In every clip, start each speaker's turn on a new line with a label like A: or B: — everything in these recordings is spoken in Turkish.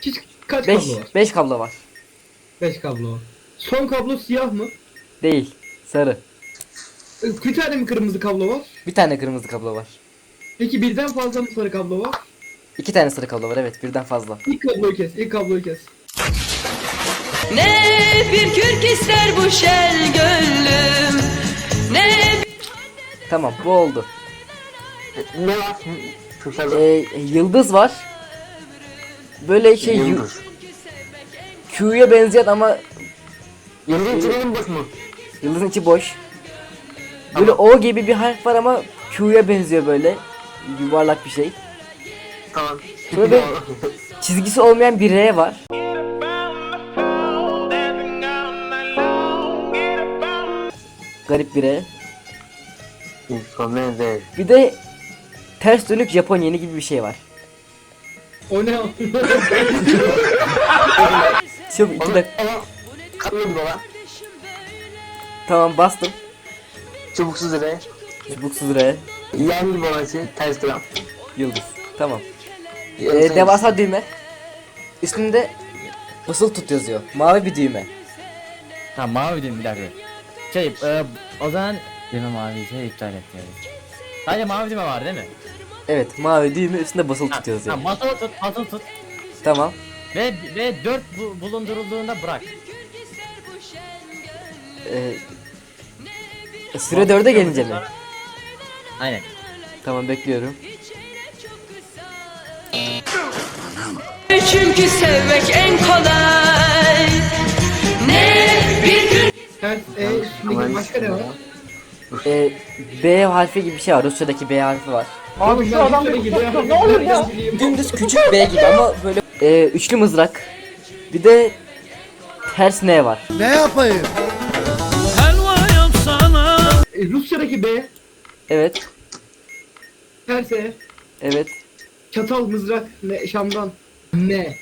A: Kaç
B: 5
A: kablo var?
B: 5 kablo var.
A: 5 kablo var. Son kablo siyah mı?
B: Değil. Sarı.
A: Bir tane mi kırmızı kablo var?
B: Bir tane kırmızı kablo var.
A: Peki birden fazla mı sarı kablo var?
B: 2 tane sarı kablo var, evet, birden fazla.
A: İlk kabloyu kes, ilk kabloyu kes.
C: Ne bir kürk ister bu şel gönlüm. Ne
B: Tamam, bu oldu.
D: Ne var?
B: Yıldız var. Böyle şey
D: Yıldız.
B: Q'ya benzeyen ama
D: Yıldızın içinin boş mu?
B: yıldızın içi boş. Böyle O gibi bir harf var ama Q'ya benziyor böyle. Yuvarlak bir şey.
D: Tamam.
B: Şöyle çizgisi olmayan bir R var. Garip bir R.
D: İnfomede.
B: Bir de ters dönük Japon yeni gibi bir şey var.
A: O ne?
B: Çabuk 2 dakika.
D: Ama katladı baba.
B: Tamam, bastım.
D: Çubuksuz re.
B: Çubuksuz R.
D: Yendi babası. Ters gram.
B: Yıldız. Tamam. Devasa düğme. Üstünde basılı tut yazıyor. Mavi bir düğme.
E: Ha, mavi değil, bir dakika. O zaman düğme mavi şey iptal et yani. Sadece mavi düğme var değil mi?
B: Evet, mavi düğme üstünde basılı tut
E: Ha,
B: yazıyor.
E: basılı tut.
B: Tamam.
E: Ve 4 bulundurulduğunda bırak.
B: Süre 4'e gelince mi?
E: Aynen.
B: Tamam, bekliyorum.
C: çünkü sevmek en kolay. Ne bir kürk
A: Ters üstündeki başka ne var?
B: B harfi gibi bir şey var. Rusya'daki B harfi var.
A: Abi şu adam ne olur ya?
B: Dümdüz küçük B gibi ama böyle üçlü mızrak. Bir de ters N var.
F: Ne yapayım?
A: Rusya'daki B,
B: Evet.
A: ters E,
B: Evet.
A: çatal, mızrak, ne, Şam'dan. Ne?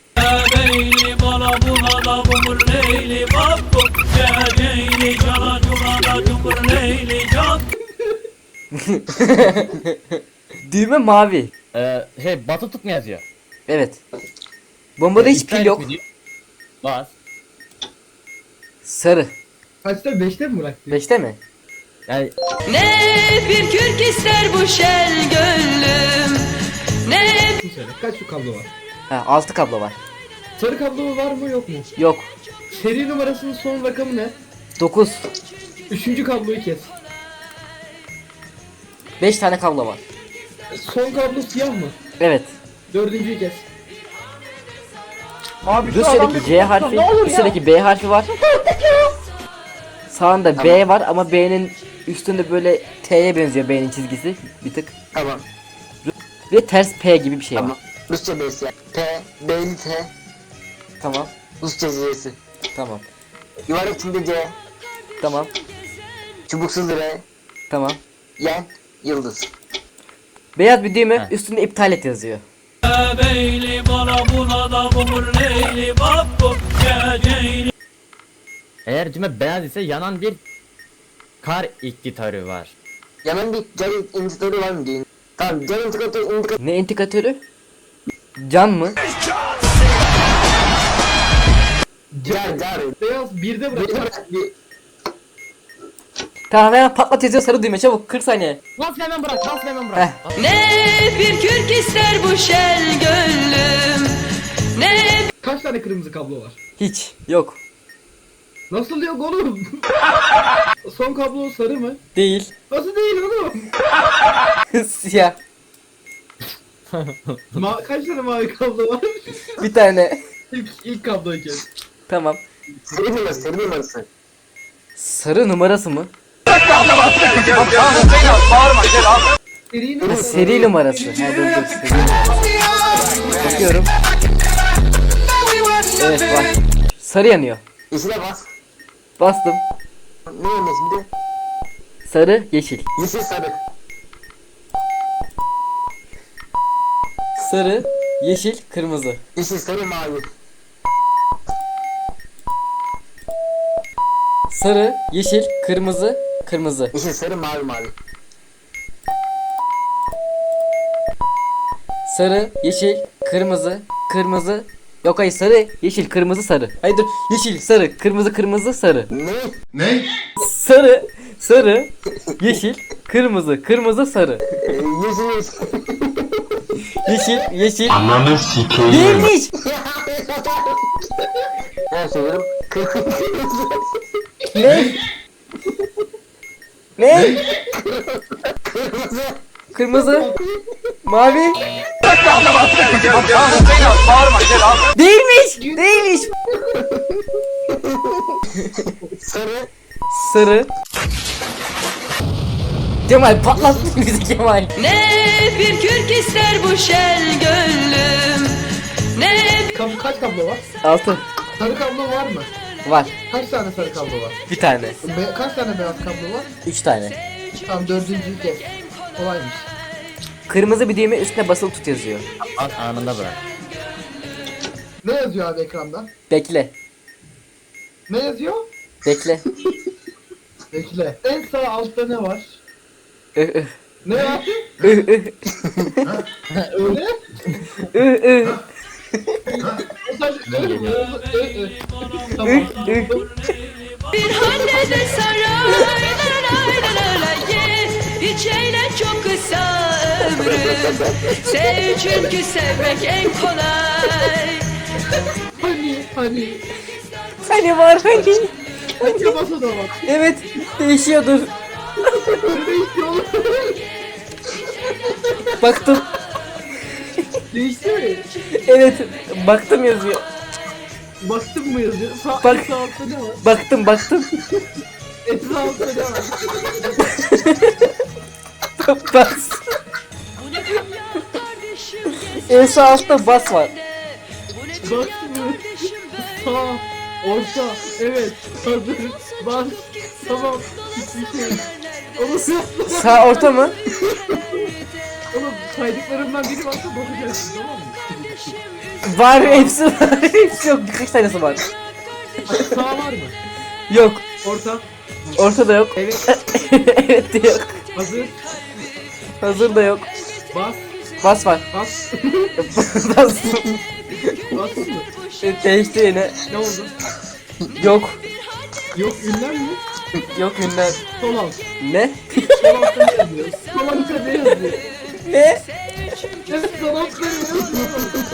B: Düğme mavi.
E: Batı tut mu yazıyor?
B: Evet. Bombada hiç
E: İptal
B: pil
E: et
B: yok.
E: mi diyor? Bas.
B: Sarı.
A: Kaçta? 5'te mi bıraktı?
B: 5'te mi?
E: Yani
C: ne bir kürk ister bu şel gönlüm. Ne
A: Söyle. Kaç şu kablo var?
B: Ha, 6 kablo var.
A: Sarı kablo var mı yok mu?
B: Yok.
A: Seri numarasının son rakamı ne?
B: 9.
A: Üçüncü kabloyu kes.
B: 5 tane kablo var.
A: Son kablo siyah mı?
B: Evet.
A: Dördüncüyü kes.
B: Rusya'daki C harfi, Rusya'daki B harfi var. Sağında B var ama B'nin üstünde böyle T'ye benziyor, B'nin çizgisi bir tık.
D: Tamam.
B: Ve ters P gibi bir şey var.
D: Tamam. Rusça B'si ya. T. B'li T.
B: Tamam.
D: Rusça C'si.
B: Tamam.
D: Yuvarlak içinde C.
B: Tamam.
D: Çubuksuz re.
B: Tamam.
D: Yen. Yıldız.
B: Beyaz bir düğme,
E: Ha.
B: üstünde iptal et yazıyor.
E: eğer düğme beyaz ise yanan bir kar gitarı var.
D: Yanan bir can indikatörü var mı diyor. Tamam. Can indikatörü
B: Ne indikatörü? Can mı?
D: Car.
A: Beyaz birde
D: Bir
A: bıraktı.
D: bırak bir.
B: Tamam, hemen patlat yazıyor, sarı düğme, çabuk 40 saniye.
E: Bas hemen bırak, bas hemen bırak.
B: Heh.
C: ne bir kürk ister bu şel gönlüm. Ne
A: Kaç tane kırmızı kablo var?
B: Hiç. Yok.
A: Nasıl yok oğlum? Son kablo sarı mı?
B: Değil.
A: Nasıl değil oğlum?
B: Siyah.
A: Kaç tane mavi kablo var?
B: Bir tane.
A: İlk kabloyu kes.
B: Tamam.
D: Seri numarası.
B: Sarı numarası mı?
A: Seri
B: Ha,
A: numarası.
B: seri numarası. Ha, dur. Seri numarası. Bakıyorum. Evet, bak. Sarı yanıyor.
D: Yeşile bas.
B: Bastım.
D: Ne yanıyor şimdi?
B: Sarı, yeşil.
D: Yeşil sarı.
B: Sarı, yeşil, kırmızı.
D: Yeşil sarı mavi.
B: Sarı, yeşil, kırmızı, kırmızı.
D: Yeşil sarı mavi.
B: Sarı, yeşil, kırmızı, kırmızı, Yok hayır, sarı, yeşil, kırmızı, sarı. Hayır dur, yeşil, sarı, kırmızı, kırmızı, sarı.
D: Ne?
B: Sarı, sarı, yeşil, kırmızı, kırmızı, sarı.
D: Yüzünüz.
B: Yeşil, yeşil.
F: Ananı sikeyim.
B: Değilmiş.
D: Ben söylüyorum.
B: Ne? Ne? Kırmızı. Mavi. Değilmiş. Değilmiş.
D: Sarı.
B: Sarı. Kemal patlattın bizi Kemal.
C: Ne bir kürk ister bu şel gönlüm. Ne
A: Kaç kablo var?
B: 6.
A: Sarı kablo var mı?
B: Var.
A: Kaç tane sarı kablo var?
B: Bir tane.
A: Kaç tane beyaz kablo var?
B: 3 tane.
A: Tamam, dördüncüyü kes. Kolaymış.
B: Kırmızı bir düğme, üstüne basılı tut yazıyor.
E: Bas anında bırak.
A: Ne yazıyor abi ekranda?
B: Bekle.
A: Ne yazıyor?
B: Bekle.
A: Bekle. En sağ altta ne var?
B: Ih, ih.
A: Ne var?
B: Ih, ih.
A: Öyle?
B: Ih, ih.
A: Tamam.
C: bir hallede saray ye hiç eğlen çok kısa ömrüm. Sev çünkü sevmek en kolay.
A: Hani.
B: Hani var hani.
A: Hangi masada bak.
B: Evet, değişiyordur.
A: Ne değişti oğlum?
B: Baktım.
A: Değişti mi?
B: Evet, baktım yazıyor.
A: Baktın mı yazıyor?
B: Bak.
A: En sağ altta ne var?
B: Baktım.
A: En sağ altta ne var?
B: Bas. En sağ altta bas var.
A: Baktın mı? Sağ. Orta. Evet. Hazır. Bas. Tamam. Hiçbir şey. Oğlum
B: Sağ orta mı?
A: Oğlum saydıklarımdan biri varsa bakacaksın, tamam mı?
B: Var, hepsi var. Hepsi yok, birkaç tanesi var.
A: Sağ var mı?
B: Yok.
A: Orta.
B: Ortada yok.
A: Evet.
B: Evet de yok.
A: Hazır.
B: Hazır da yok.
A: Bas.
B: Bas var.
A: Bas.
B: Bas.
A: Bastın mı?
B: Değişti yine.
A: Ne oldu?
B: Yok.
A: Yok, ünlem mi?
B: Yok ünlem.
A: Sol alt.
B: Ne?
A: Sol altta ne yazıyor? Sol altta ne yazıyor?
B: Ne?
A: Evet, sol altta ne yazıyor?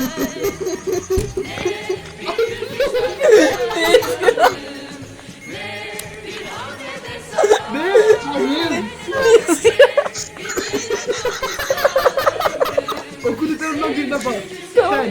A: Ne? Hayır. Okuduklarımdan birine bak. Sen.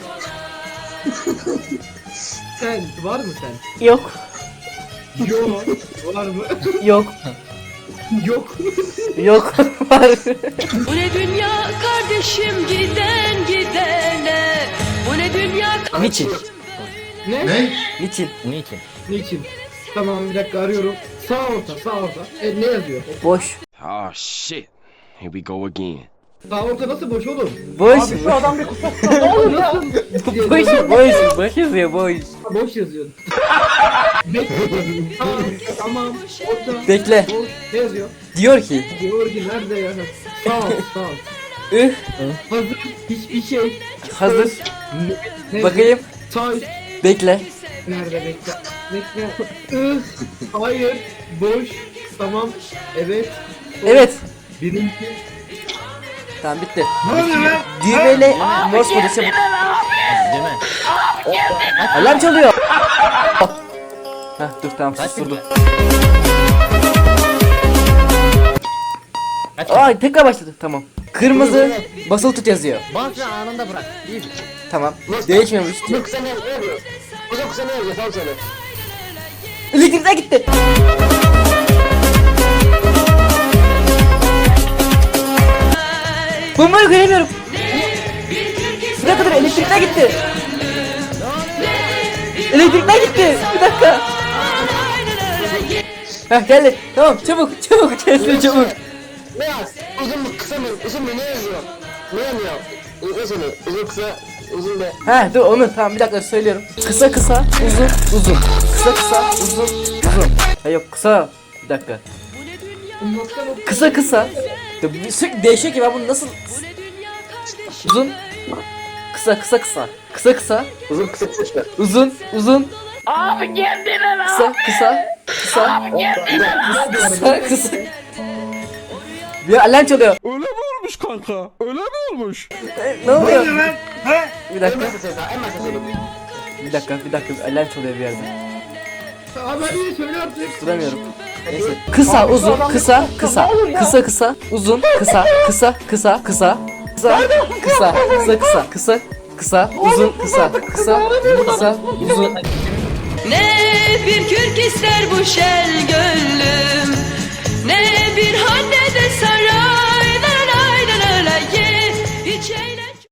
A: Sen. Var mı sen?
B: Yok.
A: Yok. Var mı?
B: Yok.
A: Yok.
B: Yok. Var.
C: Bu ne dünya kardeşim giden gidene. Bu ne dünya
B: Niçin?
A: Ne?
B: Niçin?
E: Niçin?
A: Niçin? Tamam, bir dakika arıyorum. Sağ orta, sağ orta. Ne yazıyor?
B: Boş.
F: Oh shit. Here we go again.
A: Sağ orta nasıl boş oğlum?
B: Boş.
A: Şu adam bir kusura ne olur ya?
B: Boş yazıyor, boş.
A: Boş yazıyor. Bekle. Tamam. Orta.
B: Bekle.
A: Boş. Ne yazıyor?
B: Diyor ki.
A: Diyor ki nerede ya? Sağ ol, sağ ol.
B: Ih.
A: Hazır. Hiçbir şey.
B: Hazır.
A: Ne?
B: Bakayım.
A: Sağ üst.
B: Bekle.
A: Nerede bekle? Bekle. Hayır. Boş. Tamam. Evet.
B: Evet.
A: Birinci.
B: Tamam bitti.
A: Ne oluyor lan?
B: Düğmeyle Morse kodesi bu.
E: Değil mi?
B: Alarm çalıyor. Heh, dur tamam susturdum. Ay tekrar başladı, tamam. Kırmızı basılı tut yazıyor.
E: Bas ve anında bırak. İyi.
B: Tamam. Değişmiyormuş diyor.
D: Yok sen ne yazıyor? Hocam kısa ne yazıyor? Sağ söyle.
B: Elektrikler gitti. Bombayı göremiyorum. Bir dakika dur, elektrikler gitti. Elektrikler gitti. Bir dakika. Heh geldi. Tamam çabuk gelsin çabuk.
D: Ne yaz? Uzun mu kısa mı? Uzun mu ne yazıyor? Ne yazıyor? Uzun, uzun kısa, uzun be.
B: Heh dur onu tamam bir dakika söylüyorum. Kısa uzun. Kısa uzun. Ha yok kısa. Bir dakika. Kısa. Ya, sürekli değişiyor ki ben bunu nasıl uzun Kısa kısa kısa. Kısa kısa.
D: Uzun kısa kısa.
B: Uzun uzun. Abi kendine lan. Kısa kısa. Kısa. Kısa kısa. Bir alarm çalıyor.
G: Öyle mi olmuş kanka? Öyle mi olmuş?
B: Ne oluyor? Bir
D: En
B: dakika.
D: başta söyle daha, en başta söyle.
B: Bir dakika. Alarm çalıyor bir yerde.
A: Abi hadi söyle artık.
B: Duramıyorum. Neyse. Kısa, uzun, kısa, kısa. Kısa, kısa, uzun, kısa, kısa, kısa, kısa. Kısa, kısa, kısa, kısa, kısa, kısa, uzun, kısa, kısa, kısa, uzun.
C: Ne bir kürk ister bu şel gönlüm, ne bir hande de sarar.